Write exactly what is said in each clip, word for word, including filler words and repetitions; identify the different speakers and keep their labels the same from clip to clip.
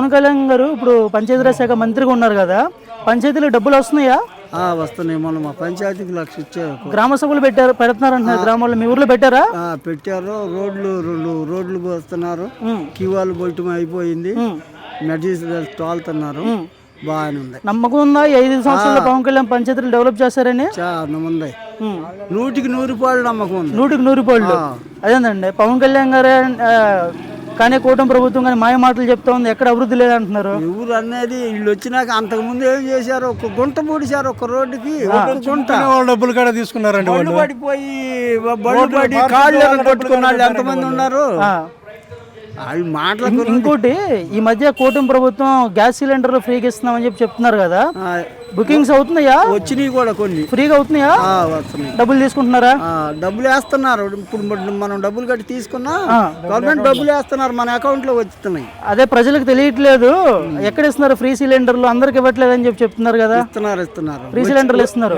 Speaker 1: పవన్ కళ్యాణ్ గారు ఇప్పుడు పంచాయతీరాజ్ శాఖ మంత్రిగా ఉన్నారు కదా, పంచాయతీలకు డబ్బులు వస్తున్నాయా?
Speaker 2: ఆ, వస్తున్నాయి. మొన్న మా పంచాయతీకి లక్ష ఇచ్చారు.
Speaker 1: గ్రామ సభలు పెట్టారు పెడుతున్నారు అంటున్నారు గ్రామాల్లో. మీ ఊర్లో పెట్టారా?
Speaker 2: ఆ, పెట్టారు. రోడ్లు రెండు రోడ్లు పోస్తున్నారు. కివాలు బొట్టం అయిపోయింది. మెటీరియల్స్ తోలుతున్నారు. బాగానే ఉంది.
Speaker 1: నమ్మకం ఉందా ఈ ఐదు సంవత్సరాల్లో పవన్ కళ్యాణ్ పంచాయతీలు డెవలప్ చేశారని?
Speaker 2: చాలా ఉంది. నూటికి నూరు పాళ్ళు నమ్మకం ఉంది.
Speaker 1: నూటికి నూరు పాళ్ళు. అదేందండి పవన్ కళ్యాణ్ గారే ఆ, కానీ కూటమి ప్రభుత్వం కానీ మాయ మాటలు చెప్తా ఉంది, ఎక్కడ అభివృద్ధి లేదంటున్నారు.
Speaker 2: ఊరు అనేది వీళ్ళు వచ్చినాక అంతకు ముందు ఏం చేశారు? ఒక గుంట పూడిశారు. ఒక రోడ్డుకి ఒక గుంట.
Speaker 3: డబ్బులు కూడా తీసుకున్నారండి.
Speaker 2: బళ్ళు పడిపోయి బళ్ళు పడి కాళ్ళు కొట్టుకున్న వాళ్ళు ఎంతమంది ఉన్నారు? వాళ్ళు మాటలు.
Speaker 1: ఇంకోటి ఈ మధ్య కూటమి ప్రభుత్వం గ్యాస్ సిలిండర్లు ఫ్రీగా ఇస్తున్నామని చెప్పి చెప్తున్నారు కదా, బుకింగ్స్ అవుతున్నాయా?
Speaker 2: వచ్చినాయి కూడా కొన్ని
Speaker 1: ఫ్రీగా అవుతున్నాయా?
Speaker 2: వస్తున్నాయి.
Speaker 1: డబ్బులు తీసుకుంటున్నారా?
Speaker 2: డబ్బులు వేస్తున్నారు. ఇప్పుడు మనం డబ్బులు కట్టి తీసుకున్నా గవర్నమెంట్ డబ్బులు వేస్తున్నారు, మన అకౌంట్ లో వస్తున్నాయి.
Speaker 1: అదే ప్రజలకు తెలియట్లేదు. ఎక్కడ ఇస్తున్నారు ఫ్రీ సిలిండర్లు? అందరికి ఇవ్వట్లేదు అని చెప్పి చెప్తున్నారు కదా.
Speaker 2: ఇస్తున్నారు ఇస్తున్నారు
Speaker 1: ఫ్రీ సిలిండర్లు ఇస్తున్నారు.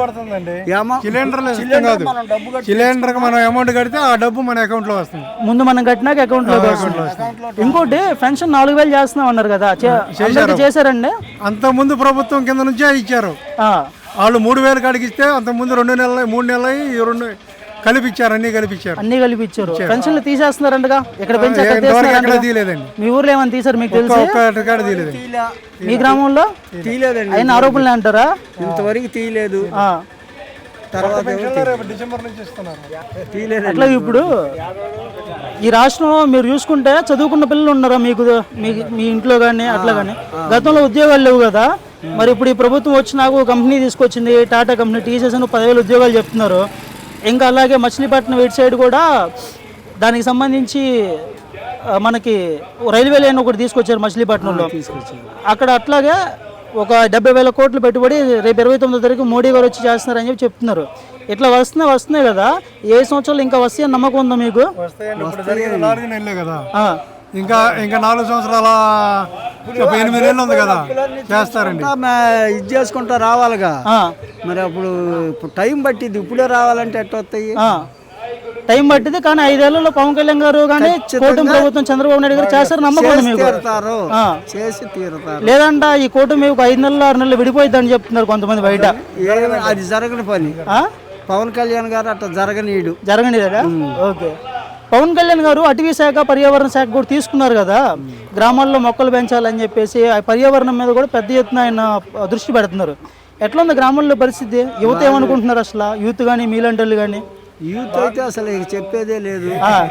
Speaker 3: సిలిండర్ మనం అమౌంట్ కడితే ఆ డబ్బు మన అకౌంట్ లో వస్తుంది.
Speaker 1: ముందు మనం కట్టినాక అకౌంట్ లో వస్తుంది. ఇంకోటి పెన్షన్ నాలుగు వేలు చేస్తున్నాం అన్నారు కదా, చేశారండి?
Speaker 3: అంత ముందు ప్రభుత్వం కింద నుంచే ఇచ్చారు. వాళ్ళు మూడు వేలు కడిగిస్తే అంత ముందు రెండు నెలలు మూడు నెలలు రెండు కలిపిచ్చారు. అన్ని కలిపిచ్చారు
Speaker 1: అన్ని కలిపిచ్చారు పెన్షన్లు తీసేస్తున్నారంటగా. ఇక్కడ పెంచి
Speaker 3: తీయలేదండి.
Speaker 1: మీ ఊర్లో ఏమని తీసారు మీకు తెలుసు?
Speaker 3: తీయలేదు.
Speaker 1: మీ గ్రామంలో
Speaker 2: తీయలేదండి.
Speaker 1: అయిన ఆరోపణలు అంటారా?
Speaker 2: ఇంతవరకు తీయలేదు. తర్వాత
Speaker 3: డిసెంబర్ నుంచి ఇస్తున్నారు.
Speaker 1: అట్లా ఇప్పుడు ఈ రాష్ట్రంలో మీరు చూసుకుంటే చదువుకున్న పిల్లలు ఉన్నారా మీకు? మీ ఇంట్లో కానీ అట్లా కానీ గతంలో ఉద్యోగాలు లేవు కదా, మరి ఇప్పుడు ఈ ప్రభుత్వం వచ్చి నాకు కంపెనీ తీసుకొచ్చింది, టాటా కంపెనీ, టీసీఎస్ అని పదివేలు ఉద్యోగాలు చెప్తున్నారు. ఇంకా అలాగే మచిలీపట్నం ఇటు సైడ్ కూడా దానికి సంబంధించి మనకి రైల్వే లైన్ ఒకటి తీసుకొచ్చారు మచిలీపట్నంలో. అక్కడ అట్లాగే ఒక డెబ్బై వేల కోట్లు పెట్టుబడి రేపు ఇరవై తొమ్మిదో తారీఖు మోడీ గారు వచ్చి చేస్తున్నారని చెప్పి చెప్తున్నారు. ఇట్లా వస్తున్నాయి వస్తున్నాయి కదా, ఏ సంవత్సరాలు ఇంకా వస్తాయని నమ్మకం ఉందా మీకు?
Speaker 3: నాలుగు నెలలే కదా, ఇంకా ఇంకా నాలుగు సంవత్సరాల ఎనిమిది నెలలు ఉంది కదా, చేస్తారండి.
Speaker 2: ఇది చేసుకుంటా రావాలిగా. మరి అప్పుడు టైం పట్టింది. ఇప్పుడే రావాలంటే ఎట్ట వస్తాయి?
Speaker 1: టైం పట్టింది. కానీ ఐదేళ్లలో పవన్ కళ్యాణ్ గారు కానీ కూటమి ప్రభుత్వం చంద్రబాబు నాయుడు గారు చేస్తారు నమ్మకం మీకు?
Speaker 2: చేసి తీరుతారు.
Speaker 1: లేదంట ఈ కూటమి ఒక ఐదు నెలలు ఆరు నెలలు విడిపోయిద్దని చెప్తున్నారు కొంతమంది బయట.
Speaker 2: అది జరగని పని. పవన్ కళ్యాణ్ గారు అట్లా జరగనీయుడు.
Speaker 1: జరగనీయదా? ఓకే. పవన్ కళ్యాణ్ గారు అటవీ శాఖ పర్యావరణ శాఖ కూడా తీసుకున్నారు కదా, గ్రామాల్లో మొక్కలు పెంచాలని చెప్పేసి ఆ పర్యావరణం మీద కూడా పెద్ద ఎత్తున ఆయన దృష్టి పెడుతున్నారు. ఎట్లా ఉంది గ్రామంలో పరిస్థితి? యువత ఏమనుకుంటున్నారు అసలు? యూత్ కానీ మీలాంటి వాళ్ళు కానీ?
Speaker 2: యూత్ అయితే అసలు చెప్పేదే లేదు.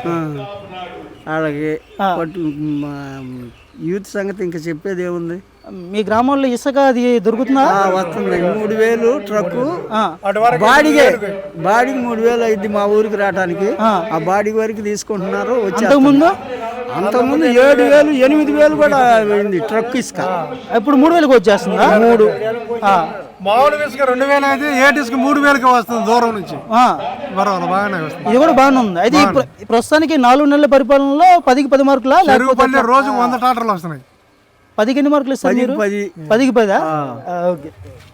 Speaker 2: అలాగే యూత్ సంగతి ఇంకా చెప్పేది ఏముంది?
Speaker 1: మీ గ్రామంలో ఇసుక అది దొరుకుతుందా?
Speaker 2: వస్తుంది. మూడు వేలు ట్రక్కు బాడీగే బాడీకి మూడు వేలు అయింది మా ఊరికి రావడానికి. ఆ బాడీ వరకు తీసుకుంటున్నారు. వచ్చే
Speaker 1: ముందు
Speaker 2: అంతకుముందు ఏడు వేలు ఎనిమిది వేలు కూడా అయింది ట్రక్ ఇసుక.
Speaker 1: ఇప్పుడు మూడు వేలకు వచ్చేస్తుందా?
Speaker 2: మూడు
Speaker 3: మామూలు ఇసుక రెండు వేలు అయితే ఏటి ఇసుక మూడు వేలకి వస్తుంది దూరం నుంచి. బాగానే వస్తుంది.
Speaker 1: ఇది కూడా బాగానే ఉంది. అయితే ప్రస్తుతానికి నాలుగు నెలల పరిపాలనలో పదికి పది మార్కులా?
Speaker 3: లేకపోతే రోజు వంద టాటర్లు వస్తున్నాయి.
Speaker 1: పదికి ఎన్ని మార్కులు ఇస్తారు మీరు? పదికి పదా? ఓకే.